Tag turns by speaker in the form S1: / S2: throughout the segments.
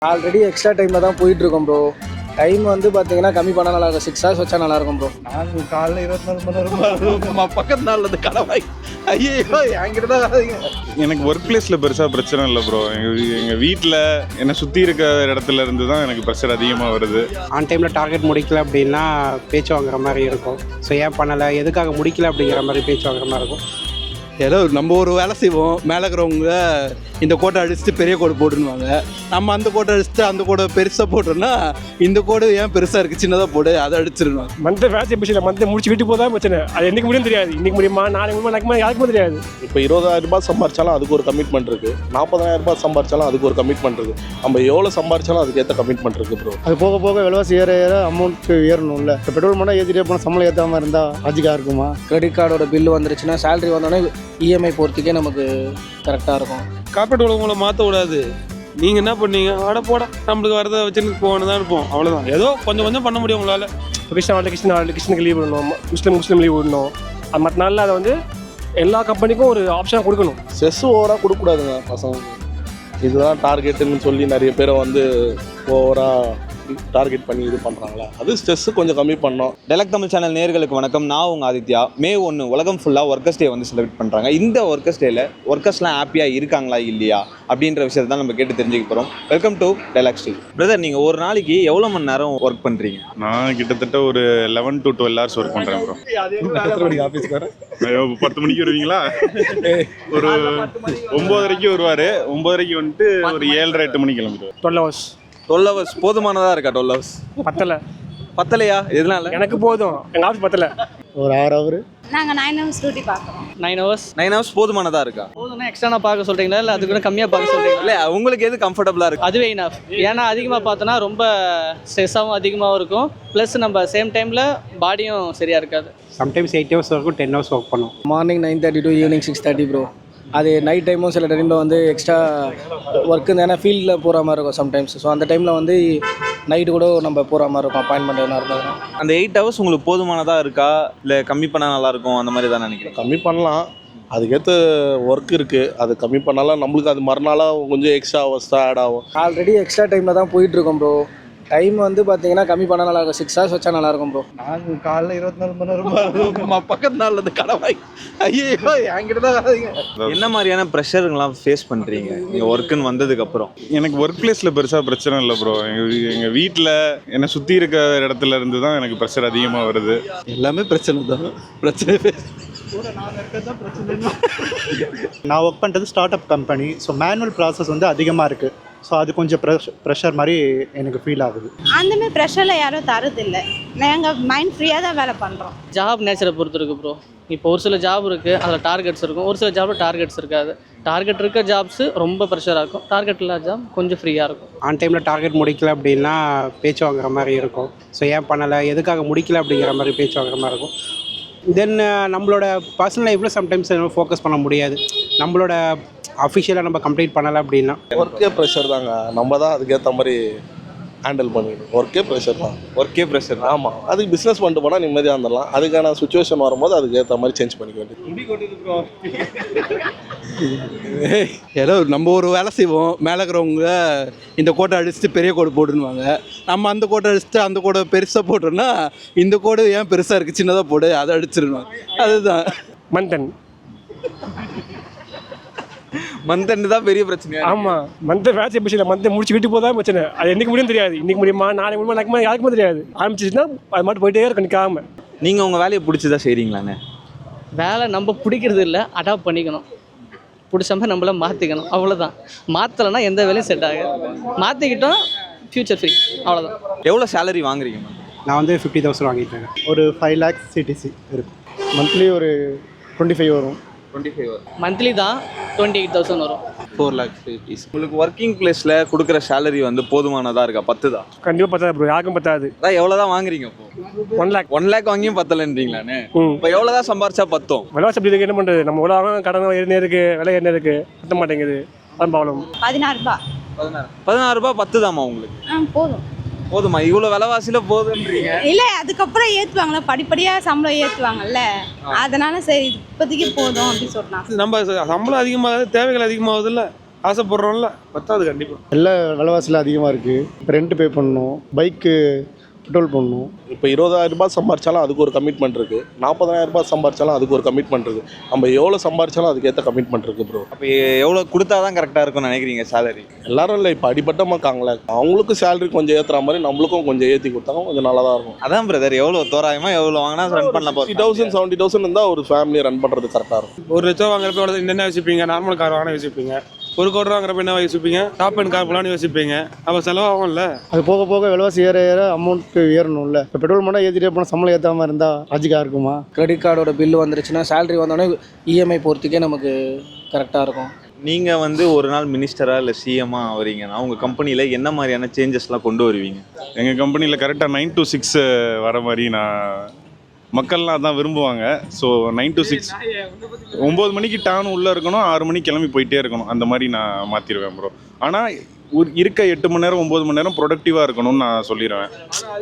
S1: Already extra டைமில் தான் போயிட்டுருக்கோம் ப்ரோ. டைம் வந்து பார்த்தீங்கன்னா கம்மி பண்ணால் நல்லாயிருக்கும். 6 hours வச்சா நல்லாயிருக்கும் ப்ரோ.
S2: நாங்கள் காலைல 24 மணி நேரம் பக்கத்து நாளில் இருந்து கடவாய் ஐயோ என்கிட்ட தான்.
S3: எனக்கு ஒர்க் பிளேஸில் பெருசாக பிரச்சனை இல்லை ப்ரோ. எங்கள் வீட்டில் என்னை சுற்றி இருக்க இடத்துல இருந்து தான் எனக்கு ப்ரெஷர் அதிகமாக வருது.
S4: ஆன் டைமில் டார்கெட் முடிக்கல அப்படின்னா பேச்சு வாங்குற மாதிரி இருக்கும். ஸோ ஏன் பண்ணலை, எதுக்காக முடிக்கல அப்படிங்கிற மாதிரி பேச்சு வாங்குற மாதிரி இருக்கும்.
S2: ஏதோ நம்ம ஒரு வேலை செய்வோம், மேலே இருக்கிறவங்க இந்த கோட்டை அடிச்சுட்டு பெரிய கோடு போட்டுருவாங்க. நம்ம அந்த கோட்டை அடிச்சுட்டு அந்த கோடை பெருசாக போட்டோம்னா இந்த கோடு ஏன் பெருசாக இருக்குது சின்னதாக போடு அதை அடிச்சிடணும்.
S5: மந்தை வேலை பிரச்சனை, மந்தை முடிச்சு வீட்டு போதான் பிரச்சனை. அது என்னைக்கு முடியும் தெரியாது, இன்னைக்கு முடியுமா நாளைக்கு முடியுமா நாளைக்கு யாருக்குமே தெரியாது.
S6: இப்போ 20,000 ரூபாய் சம்பாரிச்சாலும் அதுக்கு ஒரு கமிட்மெண்ட் இருக்குது. 40,000 ரூபாய் சம்பாரிச்சாலும் அதுக்கு ஒரு கமிட்மெண்ட் இருக்குது. நம்ம எவ்வளோ சம்பாரிச்சாலும் அதுக்கு ஏற்ற கமிட்மெண்ட் இருக்குது ப்ரோ.
S1: அது போக போக விலைவாசி ஏற ஏற அமௌண்ட்டு ஏறணும்ல. இப்போ பெட்ரோல் மட்டும் ஏற்றிட்டே போனால் சம்பளம் ஏற்றாமல் இருந்தால் லாஜிக்காக இருக்குமா? கிரெடிட் கார்டோட பில்லு வந்துருச்சுன்னா சேலரி வந்தோடனே இஎம்ஐ போகிறதுக்கே நமக்கு கரெக்டாக இருக்கும்.
S7: கார்பரேட் உலகங்களை மாற்ற விடாது. நீங்கள் என்ன பண்ணீங்க, ஆட போட நம்மளுக்கு வரதை வச்சுன்னு போகணும் தான் இருப்போம், அவ்வளோதான். ஏதோ கொஞ்சம் கொஞ்சம் பண்ண முடியும் உங்களால்.
S5: கிறிஸ்டினுக்கு லீவ் விடணும், முஸ்லீம் லீவ் விடணும். அது மற்ற நாளில் அதை வந்து எல்லா கம்பெனிக்கும் ஒரு ஆப்ஷனாக கொடுக்கணும்.
S6: ஸ்ட்ரெஸ் ஓவராக கொடுக்கக்கூடாதுங்க பசங்க. இதுதான் டார்கெட்டுன்னு சொல்லி நிறைய பேரை வந்து ஓவராக டார்கெட் பண்ணி இது பண்ணுறாங்களா, அது ஸ்ட்ரெஸ்ஸு கொஞ்சம் கம்மி பண்ணோம்.
S8: டெலக் தமிழ் சேனல் நேயர்களுக்கு வணக்கம். நான் உங்கள் ஆதித்யா. May 1 உலகம் ஃபுல்லாக ஒர்க்கர்ஸ் டே வந்து செலிப்ரேட் பண்ணுறாங்க. இந்த ஒர்க்கர்ஸ் டேயில் ஒர்க்கர்ஸ்லாம் ஹாப்பியாக இருக்காங்களா இல்லையா அப்படின்ற விஷயத்தை தான் நம்ம கேட்டு தெரிஞ்சுக்க போகிறோம். Welcome to Telak steel. Brother, நீங்கள் ஒரு நாளைக்கு எவ்வளோ மணி நேரம் ஒர்க் பண்ணுறீங்க?
S3: நான் கிட்டத்தட்ட ஒரு 11 to 12 hours ஒர்க் பண்ணுறேன் ப்ரோ.
S6: எத்தனை மணிக்கு ஆஃபீஸ்க்கு வரேன்?
S3: 10 மணிக்கு வருவீங்களா? ஒரு 9:30 வருவார். 9:30 வந்துட்டு ஒரு 7:30 8 மணிக்கு கிளம்பிடுவார்.
S5: 12 hours.
S8: 12 hours போதுமானதாக இருக்கா? 12 hours பத்தலையா? எதனால?
S5: எனக்கு போதும், எங்கள் ஆஃபீஸ் பத்தலை.
S1: ஒரு 6 hour.
S9: நாங்கள் 9 hours டியூட்டி பார்க்குறோம்.
S7: 9 hours
S8: 9 hours போதுமானதாக இருக்கா?
S7: போதும்னா எக்ஸ்ட்ரா பார்க்க சொல்கிறீங்களா இல்லை அது கூட கம்மியாக பார்க்க சொல்கிறீங்களா?
S8: இல்லை, உங்களுக்கு எது கம்ஃபர்டபுளாக இருக்குது?
S7: அதுவே இனஃப். ஏன்னா அதிகமாக பார்த்தோன்னா ரொம்ப ஸ்ட்ரெஸ்ஸாகவும் அதிகமாகவும் இருக்கும். ப்ளஸ் நம்ம சேம் டைமில் பாடியும் சரியாக இருக்காது.
S4: சம்டைம்ஸ் 8 hours இருக்கும், 10 hours ஒர்க் பண்ணுவோம்.
S1: Morning 9:30 to evening 6:30 bro. அது நைட் டைமும் சில டைமில் வந்து எக்ஸ்ட்ரா ஒர்க்கு ஏன்னா ஃபீல்டில் போகிற மாதிரி இருக்கும் சம்டைம்ஸ். ஸோ அந்த டைமில் வந்து நைட்டு கூட நம்ம போகிற மாதிரி இருக்கும், அப்பாயின்மெண்ட் எதுனா இருந்ததுன்னா.
S8: அந்த 8 hours உங்களுக்கு போதுமானதாக இருக்கா இல்லை கம்மி பண்ணால் நல்லாயிருக்கும் அந்த மாதிரி தான் நினைக்கிறேன்?
S6: கம்மி பண்ணலாம், அதுக்கேற்ற ஒர்க் இருக்குது. அது கம்மி பண்ணாலும் நம்மளுக்கு அது மறுநாளாக கொஞ்சம் எக்ஸ்ட்ரா ஹவர்ஸ் தான் ஆட் ஆகும்.
S1: ஆல்ரெடி எக்ஸ்ட்ரா டைமில் தான் போயிட்டுருக்கோம் ப்ரோ. டைம் வந்து பார்த்தீங்கன்னா கம்மி பண்ணால் நல்லாயிருக்கும். 6 hours வச்சா நல்லாயிருக்கும் ப்ரோ.
S2: நாங்கள் காலைல 24 மணி நேரம் பக்கத்து நாளில் இருந்து கடவாய் ஐயோ என்கிட்ட தான்.
S8: என்ன மாதிரியான ப்ரெஷருங்கெல்லாம் ஃபேஸ் பண்ணுறீங்க நீங்கள் ஒர்க்குன்னு வந்ததுக்கப்புறம்?
S3: எனக்கு ஒர்க் பிளேஸில் பெருசாக பிரச்சனை இல்லை ப்ரோ. எங்கள் வீட்டில் என்னை சுற்றி இருக்க இடத்துல இருந்து தான் எனக்கு ப்ரெஷர் அதிகமாக வருது.
S2: எல்லாமே பிரச்சனை தான். பிரச்சனை
S10: நான் ஒர்க் பண்ணுறது start up company. So manual process வந்து அதிகமாக இருக்குது. ஸோ அது கொஞ்சம் ப்ரெஷர் மாதிரி எனக்கு ஃபீல் ஆகுது.
S9: அந்தமாதிரி ப்ரெஷரில் யாரும் தரதில்லை. நாங்கள் மைண்ட் ஃப்ரீயாக தான் வேலை பண்ணுறோம்.
S7: ஜாப் நேச்சரை பொறுத்து இருக்குது ப்ரோ. இப்போ ஒரு சில ஜாப் இருக்குது, அதில் டார்கெட்ஸ் இருக்கும். ஒரு சில ஜாபில் டார்கெட்ஸ் இருக்காது. டார்கெட் இருக்க ஜாப்ஸு ரொம்ப ப்ரெஷராக இருக்கும். டார்கெட் இல்லாத ஜாப் கொஞ்சம் ஃப்ரீயாக இருக்கும்.
S4: ஆன் டைமில் டார்கெட் முடிக்கல அப்படின்னா பேச்சு வாங்குற மாதிரி இருக்கும். ஸோ ஏன் பண்ணலை, எதுக்காக முடிக்கல அப்படிங்கிற மாதிரி பேச்சு வாங்குற மாதிரி இருக்கும். தென் நம்மளோட பர்சனல் லைஃப்பில் சம்டைம்ஸ் ஃபோக்கஸ் பண்ண முடியாது. நம்மளோட அஃபிஷியலாக நம்ம கம்ப்ளீட் பண்ணலை அப்படின்னா
S6: ஒர்க்கே ப்ரெஷர் தாங்க. நம்ம தான் அதுக்கேற்ற மாதிரி ஹேண்டில் பண்ணிக்கணும். ஒர்க்கே ப்ரெஷர் தான்.
S8: ஒர்க்கே ப்ரெஷர்.
S6: ஆமாம், அதுக்கு பிஸ்னஸ் பண்ணிட்டு போனால் நிம்மதியாக இருந்துடலாம். அதுக்கான சுச்சுவேஷன் வரும்போது அதுக்கு ஏற்ற மாதிரி சேஞ்ச் பண்ணிக்க வேண்டியது.
S2: ஏதோ நம்ம ஒரு வேலை செய்வோம், மேலே இருக்கிறவங்க இந்த கோட்டை அடிச்சுட்டு பெரிய கோடு போட்டுருவாங்க. நம்ம அந்த கோட்டை அடிச்சுட்டு அந்த கோடை பெருசாக போட்டோம்னா இந்த கோடு ஏன் பெருசாக இருக்குது சின்னதாக போடு அதை அடிச்சிடணும். அதுதான்
S5: மந்தன்
S8: மந்த் தான் பெரிய பிரச்சனை.
S5: ஆமாம், மந்தை வேலை பிரச்சனை, மந்தை முடிச்சு வீட்டு போதான் பிரச்சனை. அது என்னைக்கு முடியும் தெரியாது, இன்னைக்கு முடியுமா நாளைக்கு முடியுமா நாளைக்கு யாருக்குமே தெரியாது. ஆரம்பிச்சிச்சுன்னா அது மட்டும் போயிட்டே இருக்கும் நிற்காம.
S8: நீங்கள் உங்கள் வேலையை பிடிச்சதா செய்கிறீங்களாண்ணே?
S7: வேலை நம்ம பிடிக்கிறது இல்லை, அடாப்ட் பண்ணிக்கணும். பிடிச்ச மாதிரி நம்மள மாற்றிக்கணும், அவ்வளோதான். மாற்றலைன்னா எந்த வேலையும் செட் ஆகாது. மாற்றிக்கிட்டோம் ஃப்யூச்சர் ஃப்ரீ, அவ்வளோதான்.
S8: எவ்வளோ சேலரி வாங்குறீங்க?
S4: நான் வந்து 50,000 வாங்கிட்டேன்.
S10: ஒரு 5 lakhs CTC இருக்கும்.
S1: மந்த்லி ஒரு 25 வரும்.
S8: 25 வரும்.
S7: மந்த்லி தான் 28,000 வரும்.
S8: 4 lakhs rupees. உங்களுக்கு ஒர்க்கிங் பிளேஸில் கொடுக்குற சேலரி வந்து போதுமானதாக இருக்கா? 10 தான்?
S5: கண்டிப்பாக பத்தாது ப்ரோ, யாருக்கும் பத்தாது.
S8: அதான் எவ்வளோ தான் வாங்குறீங்க? இப்போ
S5: 1 lakh.
S8: 1 lakh வாங்கியும் பத்தலைன்றீங்களாண்ணே? இப்போ எவ்வளோ தான் சம்பாரிச்சா பத்தும்?
S5: விலைவாசி அப்படி இருக்கு, என்ன பண்ணுறது? நம்ம உலகம் கடன் ஏறினே இருக்குது, விலை ஏறினே இருக்குது, பத்த மாட்டேங்குது. அதான் ப்ராப்ளம்.
S9: 16 ரூபாய்.
S8: 16 ரூபாய் 10 தாம்மா உங்களுக்கு?
S9: போதும்.
S8: போதுமா? இவ்வளோ விலைவாசியில் போதுன்றீங்க?
S9: இல்லை, அதுக்கப்புறம் ஏற்றுவாங்களே, படிப்படியாக சம்பளம் ஏற்றுவாங்கல்ல, அதனால சரி இப்போதைக்கு போதும் அப்படின்னு சொன்னாங்க.
S7: நம்ம சம்பளம் அதிகமாக தேவைகள் அதிகமாகுதுல்ல,
S5: ஆசைப்படுறோம்ல பத்தாது கண்டிப்பாக.
S1: எல்லா விலைவாசியில் அதிகமாக இருக்குது. இப்போ ரெண்ட் பே பண்ணணும், பைக்கு பெட்ரோல் பண்ணணும்.
S6: இப்போ 20,000 ரூபாய் சம்பாரிச்சாலும் அதுக்கு ஒரு கமிட்மெண்ட் இருக்குது. 40,000 ரூபாய் சம்பாரிச்சாலும் அதுக்கு ஒரு கமிட்மெண்ட் இருக்குது. நம்ம எவ்வளோ சம்பாரிச்சாலும் அதுக்கேற்ற கமிட்மெண்ட் இருக்குது ப்ரோ.
S8: அப்போ எவ்வளோ கொடுத்தா தான் கரெக்டாக இருக்கும்னு நினைக்கிறீங்க சேலரி?
S6: எல்லாரும் இல்லை, இப்போ அடிப்பட்டமாக இருக்காங்களே, அவங்களுக்கும் சேலரி கொஞ்சம் ஏற்றுற மாதிரி நம்மளுக்கும் கொஞ்சம் ஏற்றி கொடுத்தாங்க கொஞ்சம் நல்லா தான் இருக்கும்.
S8: அதான் பிரதர், எவ்வளோ தோராயமாக எவ்வளோ வாங்கினா ரன் பண்ணலாம்?
S6: 60,000 70,000 இருந்தால் ஒரு ஃபேமிலியை ரன் பண்ணுறது கரெக்டாக இருக்கும்.
S5: 1 லட்சம் வாங்குறப்ப எவ்வளோ என்ன யோசிப்பீங்க? நார்மல் கார் வாங்கினா யோசிப்பீங்க. 1 கோடி ரூபா வாங்குறப்ப என்ன யோசிப்பீங்க? டாப் அண்ட் கார் போலான்னு யோசிப்பீங்க. அப்போ செலவாகும்ல.
S1: அது போக போக விலைவாசி ஏற ஏற அமௌண்ட் ஏறணும்ல. இப்போ பெட்ரோல் மட்டும் ஏற்றிட்டே போனால் சம்பளம் ஏற்றாமல் இருந்தால் ராஜிக்காக இருக்குமா? கிரெடிட் கார்டோட பில்லு வந்துருச்சுன்னா சேலரி வந்தோடனே இஎம்ஐ போகிறதுக்கே நமக்கு கரெக்டாக இருக்கும்.
S8: நீங்கள் வந்து ஒரு நாள் மினிஸ்டரா இல்லை சிஎம்மா வரீங்கன்னா உங்கள் கம்பெனியில் என்ன மாதிரியான சேஞ்சஸ்லாம் கொண்டு வருவீங்க?
S3: எங்கள் கம்பெனியில் கரெக்டாக 9 to 6 வர மாதிரி மக்கள்லாம் அதான் விரும்புவாங்க. ஸோ 9 to 6 9 மணிக்கு டான் உள்ளே இருக்கணும், 6 மணிக்கு கிளம்பி போயிட்டே இருக்கணும். அந்த மாதிரி நான் மாற்றிடுவேன் ப்ரோ. ஆனால் இருக்க 8 மணி நேரம் 9 மணி நேரம் ப்ரொடக்டிவாக இருக்கணும்னு நான் சொல்லிடுவேன்.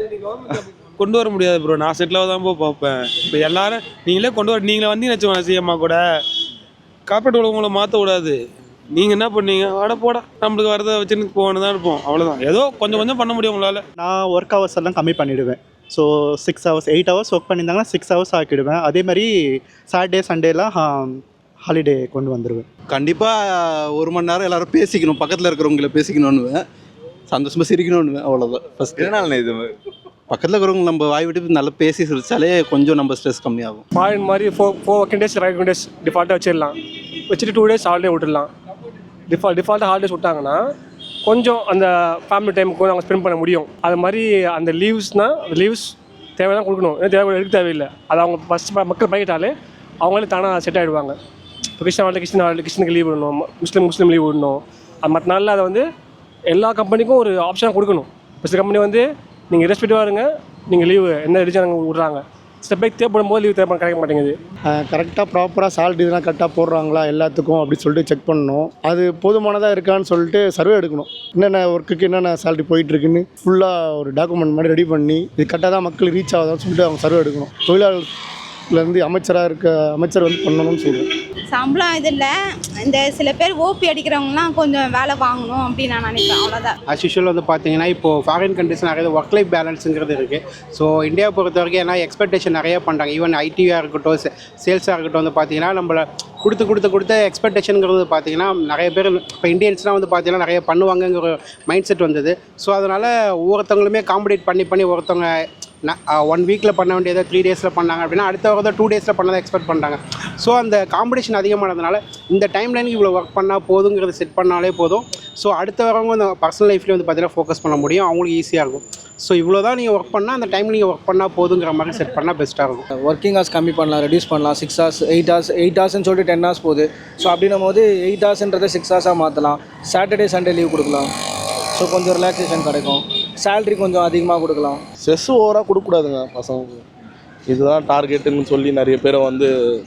S5: கொண்டு வர முடியாது ப்ரோ. நான் செட்டில் தான் பார்ப்பேன். இப்போ எல்லாரும் நீங்களே கொண்டு வர, நீங்களே வந்து வச்சுக்கோங்க சிஎம்மா கூட. கார்பரேட் உலகங்களை மாற்ற விடாது. நீங்கள் என்ன பண்ணீங்க? வாட போட நம்மளுக்கு வரதை வச்சுன்னு போகணும் தான் இருப்போம். அவ்வளோதான். ஏதோ கொஞ்சம் கொஞ்சம் பண்ண முடியும் உங்களால்.
S10: நான் ஒர்க் ஹவர்ஸ் எல்லாம் கம்மி பண்ணிவிடுவேன். ஸோ 6 hours 8 hours ஒர்க் பண்ணியிருந்தாங்கன்னா 6 hours ஆக்கிடுவேன். அதே மாதிரி சாட்டர்டே சண்டேலாம் ஹாலிடே கொண்டு வந்துடுவேன்.
S2: கண்டிப்பாக 1 மணி நேரம் எல்லோரும் பேசிக்கணும், பக்கத்தில் இருக்கிறவங்கள பேசிக்கணுன்னுவேன், சந்தோஷமாக சிரிக்கணுன்னுவேன். அவ்வளோதான் ஃபஸ்ட்டு.
S8: எதனால இது
S2: பக்கத்தில் இருக்கிறவங்க நம்ம வாய் விட்டு நல்லா பேசி சிரிச்சாலே கொஞ்சம் நம்ம ஸ்ட்ரெஸ் கம்மியாகும்.
S5: ஃபாரின் மாதிரி 4 working days 5 working days டிஃபால்ட்டாக வச்சிடலாம். வச்சுட்டு 2 days ஹாலிடே விட்டுடலாம். டிஃபால்ட்டாக ஹாலிடேஸ் விட்டாங்கன்னா கொஞ்சம் அந்த ஃபேமிலி டைமுக்கு அவங்க ஸ்பெண்ட் பண்ண முடியும். அது மாதிரி அந்த லீவ்ஸ் தேவைதான் கொடுக்கணும். தேவை எடுக்க தேவையில்லை. அது அவங்க ஃபஸ்ட் மக்கள் பழகிட்டாலே அவங்களே தானாக செட் ஆகிடுவாங்க. இப்போ கிறிஸ்டினுக்கு லீவ் விடணும், முஸ்லீம் லீவ் விடணும். அது மற்ற நாளில் அதை வந்து எல்லா கம்பெனிக்கும் ஒரு ஆப்ஷனாக கொடுக்கணும். இப்போ சில கம்பெனி வந்து நீங்கள் ரெஸ்பெக்டிவாக இருங்க, நீங்கள் லீவு என்ன ரிஜன் விட்றாங்க. ஸ்டெப் பை தேவைப்படும் போது லீவ் தேவைப்பட கிடைக்க மாட்டேங்குது.
S1: கரெக்டாக ப்ராப்பராக சேலரி இதெல்லாம் கரெக்டாக போடுறாங்களா எல்லாத்துக்கும் அப்படின்னு சொல்லிட்டு செக் பண்ணணும். அது போதுமானதாக இருக்கான்னு சொல்லிட்டு சர்வே எடுக்கணும். என்னென்ன ஒர்க்குக்கு என்னென்ன சேலரி போயிட்டுருக்குன்னு ஃபுல்லாக ஒரு டாக்குமெண்ட் மாதிரி ரெடி பண்ணி இது கரெக்டாக தான் மக்களுக்கு ரீச் ஆகுதான்னு சொல்லிட்டு அவங்க சர்வே எடுக்கணும். தொழிலாளர்லேருந்து அமைச்சர் வந்து பண்ணணும்னு சொல்லுவேன்.
S9: சம்பளம் இது இல்லை, இந்த சில பேர் ஓபி அடிக்கிறவங்கலாம் கொஞ்சம் வேலை வாங்கணும் அப்படின்னு நான் நினைப்பேன். அவ்வளோதான்.
S4: ஆஸ் யூஷுவல் வந்து பார்த்தீங்கன்னா இப்போது ஃபாரின் கண்ட்ரிஸ் நிறைய ஒர்க் லைஃப் பேலன்ஸுங்கிறது இருக்குது. ஸோ இந்தியாவை பொறுத்த வரைக்கும் ஏன்னா எக்ஸ்பெக்டேஷன் நிறைய பண்ணுறாங்க. ஈவன் ஐடியாக இருக்கட்டும், சேல்ஸாக இருக்கட்டும் வந்து பார்த்தீங்கன்னா நம்மளை கொடுத்த எக்ஸ்பெக்டேஷனுங்கிறது பார்த்தீங்கன்னா நிறைய பேர் இப்போ இந்தியன்ஸ்லாம் வந்து பார்த்தீங்கன்னா நிறைய பண்ணுவாங்கங்கிற ஒரு மைண்ட் செட் வந்தது. ஸோ அதனால் ஒவ்வொருத்தவங்களுமே காம்படேட் பண்ணி ஒருத்தவங்க 1 வீக்கில் பண்ண வேண்டியதை 3 days பண்ணாங்க அப்படின்னா அடுத்த வாரம் 2 days பண்ணதை எக்ஸ்பெக்ட் பண்ணுறாங்க. ஸோ அந்த காம்படிஷன் அதிகமானதுனால இந்த டைம்லைனுக்கு இவ்வளோ ஒர்க் பண்ணால் போதுங்கிறது செட் பண்ணாலே போதும். ஸோ அடுத்த வரவங்க அந்த பர்சனல் லைஃப்லேயும் வந்து பார்த்தீங்கன்னா ஃபோக்கஸ் பண்ண முடியும், அவங்களுக்கு ஈஸியாக இருக்கும். ஸோ இவ்வளோ தான் நீங்கள் ஒர்க் பண்ணால் அந்த டைமில் நீங்கள் ஒர்க் பண்ணால் போதுங்கிற மாதிரி செட் பண்ணால் பெஸ்ட்டாக இருக்கும்.
S1: ஒர்க்கிங் ஹவர்ஸ் கம்மி பண்ணலாம், ரெடியூஸ் பண்ணலாம். 6 hours 8 hours சொல்லிட்டு 10 hours போகுது. ஸோ அப்படின்னும் போது 8 hours 6 hours மாற்றலாம். சாட்டர்டே சண்டே லீவ் கொடுக்கலாம். ஸோ கொஞ்சம் ரிலாக்ஸேஷன் கிடைக்கும். சேலரி கொஞ்சம் அதிகமாக கொடுக்கலாம்.
S6: ஸ்ட்ரெஸ் ஓவராக கொடுக்கக்கூடாதுங்க பசங்களுக்கு. இதுதான் டார்கெட்டுன்னு சொல்லி நிறைய பேரை வந்து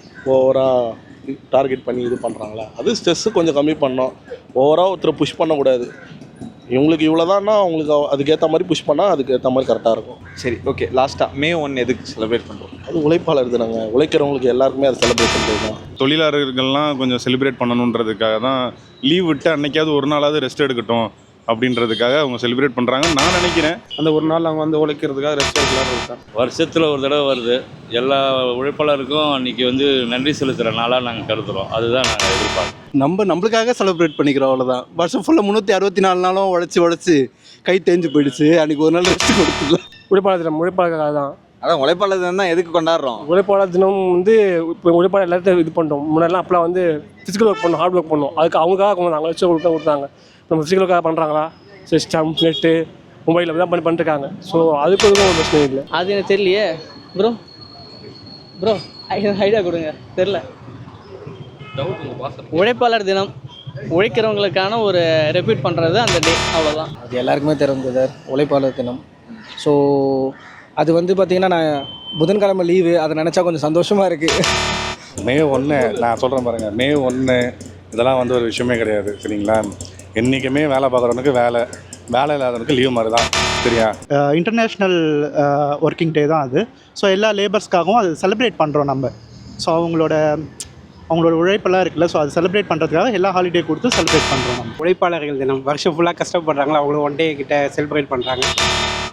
S6: ஓவராக டார்கெட் பண்ணி இது பண்ணுறாங்களா, அது ஸ்ட்ரெஸ்ஸு கொஞ்சம் கம்மி பண்ணோம். ஓவராக ஒருத்தரை புஷ் பண்ணக்கூடாது. இவங்களுக்கு இவ்வளோதான்னா அவங்களுக்கு அதுக்கேற்ற மாதிரி புஷ் பண்ணால் அதுக்கேற்ற மாதிரி கரெக்டாக இருக்கும்.
S8: சரி, ஓகே. லாஸ்ட்டாக May 1 எதுக்கு செலிப்ரேட் பண்ணுறோம்?
S6: அது உழைப்பாளர் தினங்க. உழைக்கிறவங்களுக்கு எல்லாருக்குமே அது செலிப்ரேட் பண்ணுறது தான்.
S3: தொழிலாளர்கள்லாம் கொஞ்சம் செலிப்ரேட் பண்ணணுன்றதுக்காக தான் லீவ் விட்டு அன்னைக்காவது ஒரு நாளாவது ரெஸ்ட் எடுக்கட்டும் அப்படின்றதுக்காக அவங்க செலிப்ரேட் பண்ணுறாங்கன்னு நான் நினைக்கிறேன்.
S5: அந்த ஒரு நாள் அவங்க வந்து உழைக்கிறதுக்காக ரெஸ்ட் எடுக்கலாம்னு இருக்கேன்.
S11: வருஷத்தில் ஒரு தடவை வருது. எல்லா உழைப்பாளருக்கும் அன்றைக்கி வந்து நன்றி செலுத்துகிற நாளாக நாங்கள் கருதுகிறோம். அதுதான் நாங்கள் எதிர்பார்க்கோம்.
S2: நம்மளுக்காக செலிப்ரேட் பண்ணிக்கிறோம், அவ்வளோதான். வருஷம் ஃபுல்லாக 364 நாளும் உழைச்சி கை தேஞ்சு போயிடுச்சு. அன்றைக்கி ஒரு நாள் ரெஸ்ட் கொடுத்துக்கலாம்.
S5: உழைப்பாளருக்காக தான்.
S8: அதான் உழைப்பாளர் தினம் தான் எதுக்கு கொண்டாடுறோம்?
S5: உழைப்பாளர் தினம் வந்து இப்போ உழைப்பாளர் எல்லாத்தையும் இது பண்ணுறோம். முன்னாடிலாம் அப்போலாம் வந்து ஃபிசிக்கல் ஒர்க் பண்ணோம், ஹார்ட் ஒர்க் பண்ணோம். அதுக்கு அவங்களுக்காக கொஞ்சம் நாங்கள் வச்சு கொடுத்தாங்க. நம்ம ஃபிசிக்கலுக்காக பண்ணுறாங்களா? சிஸ்டம் நெட்டு மொபைலில் தான் பண்ணிட்டுருக்காங்க. ஸோ அதுக்கு ஒரு பிரச்சனை இல்லை.
S7: அது எனக்கு தெரியலையே ப்ரோ ஐடியா கொடுங்க. தெரில. உழைப்பாளர் தினம் உழைக்கிறவங்களுக்கான ஒரு ரெப்யூட் பண்ணுறது அந்த டே, அவ்வளோதான்.
S1: அது எல்லாருக்குமே தெரிஞ்சது உழைப்பாளர் தினம். ஸோ அது வந்து பார்த்திங்கன்னா நான் புதன்கிழமை லீவு, அதை நினச்சா கொஞ்சம் சந்தோஷமாக இருக்குது.
S12: May 1 நான் சொல்கிறேன் பாருங்கள். May 1 இதெல்லாம் வந்து ஒரு விஷயமே கிடையாது, சரிங்களா? என்றைக்குமே வேலை பார்க்குறவனுக்கு வேலை இல்லாதவனுக்கு லீவ் மாதிரி தான், சரியா?
S10: இன்டர்நேஷ்னல் ஒர்க்கிங் டே தான் அது. ஸோ எல்லா லேபர்ஸ்க்காகவும் அது செலிப்ரேட் பண்ணுறோம் நம்ம. ஸோ அவங்களோட அவங்களோட உழைப்பெல்லாம் இருக்குல்ல, ஸோ அது செலிப்ரேட் பண்ணுறதுக்காக எல்லா ஹாலிடே கொடுத்து செலிப்ரேட் பண்ணுறோம் நம்ம.
S4: உழைப்பாளர்கள் தினம் வருஷம் ஃபுல்லாக கஷ்டப்படுறாங்களா, அவங்களும் ஒன் டே கிட்ட செலிப்ரேட் பண்ணுறாங்க.